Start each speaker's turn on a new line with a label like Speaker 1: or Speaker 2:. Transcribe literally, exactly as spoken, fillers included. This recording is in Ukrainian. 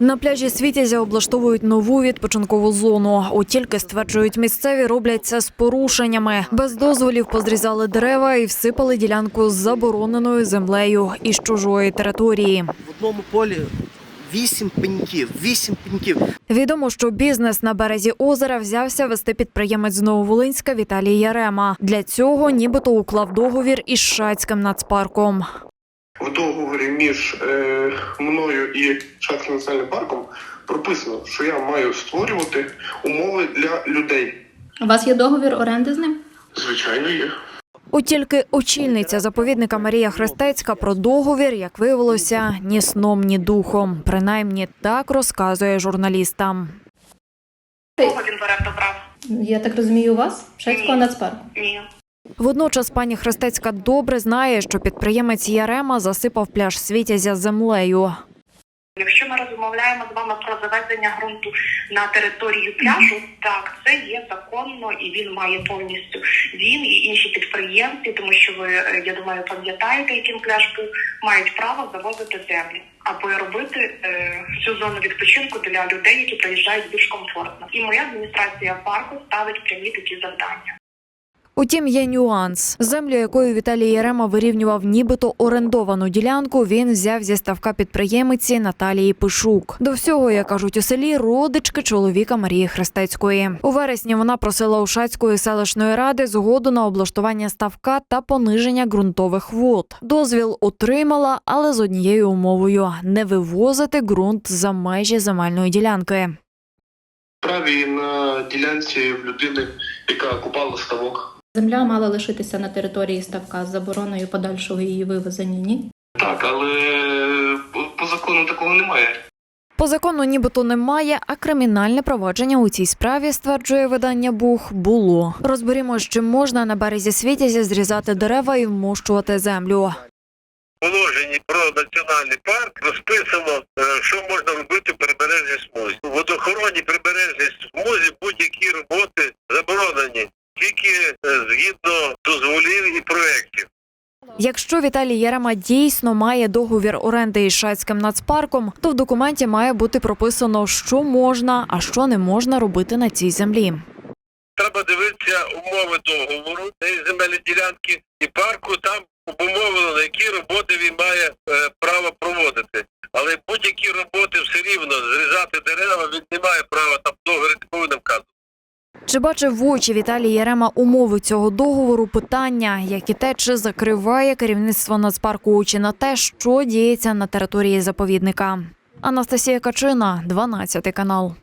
Speaker 1: На пляжі Світязя облаштовують нову відпочинкову зону. От тільки, стверджують місцеві, роблять це з порушеннями. Без дозволів позрізали дерева і всипали ділянку з забороненою землею із чужої території.
Speaker 2: В одному полі вісім пеньків, вісім пеньків.
Speaker 1: Відомо, що бізнес на березі озера взявся вести підприємець з Нововолинська Віталій Ярема. Для цього нібито уклав договір із Шацьким нацпарком.
Speaker 3: В договорі між е, мною і Шацьким національним парком прописано, що я маю створювати умови для людей.
Speaker 4: У вас є договір оренди з ним?
Speaker 3: Звичайно, є.
Speaker 1: От тільки очільниця заповідника Марія Хрестецька про договір, як виявилося, ні сном, ні духом. Принаймні так розказує журналістам.
Speaker 5: Кого він в оренду брав?
Speaker 4: Я так розумію, у вас? Шацького нацпарку?
Speaker 5: Ні.
Speaker 1: Водночас пані Хрестецька добре знає, що підприємець Ярема засипав пляж Світязя землею.
Speaker 5: Якщо ми розмовляємо з вами про завезення ґрунту на територію пляжу, так, це є законно і він має повністю, він і інші підприємці, тому що ви, я думаю, пам'ятаєте, яким пляж був, мають право завозити землю або робити е, цю зону відпочинку для людей, які приїжджають більш комфортно. І моя адміністрація парку ставить прямі такі завдання.
Speaker 1: Утім, є нюанс. Землю, якою Віталій Ярема вирівнював нібито орендовану ділянку, він взяв зі ставка підприємиці Наталії Пишук. До всього, як кажуть у селі, родички чоловіка Марії Хрестецької. У вересні вона просила у Шацької селищної ради згоду на облаштування ставка та пониження ґрунтових вод. Дозвіл отримала, але з однією умовою – не вивозити ґрунт за межі земельної ділянки.
Speaker 3: Праві на ділянці в людини, яка купала ставок.
Speaker 4: Земля мала лишитися на території ставка з забороною подальшого її вивезення, ні?
Speaker 3: Так, але по закону такого немає.
Speaker 1: По закону нібито немає, а кримінальне провадження у цій справі, стверджує видання «Бух», було. Розберімо, чи можна на березі Світязя зрізати дерева і вмощувати землю.
Speaker 6: В положенні про національний парк розписано, що можна робити в прибережній смузі. У водоохоронній прибережній смузі будь-які роботи заборонені, тільки згідно дозволів і проєктів.
Speaker 1: Якщо Віталій Ярема дійсно має договір оренди із Шацьким нацпарком, то в документі має бути прописано, що можна, а що не можна робити на цій землі.
Speaker 6: Треба дивитися умови договору цієї земельної ділянки і парку, там обумовлено, які роботи він має е, право проводити. Але будь-які роботи все рівно, зрізати дерева, він не має права, там договір не повинен вказувати.
Speaker 1: Чи бачив в очі Віталій Ярема умови цього договору? Питання, як і те, чи закриває керівництво нацпарку очі на те, що діється на території заповідника. Анастасія Качина, дванадцятий канал.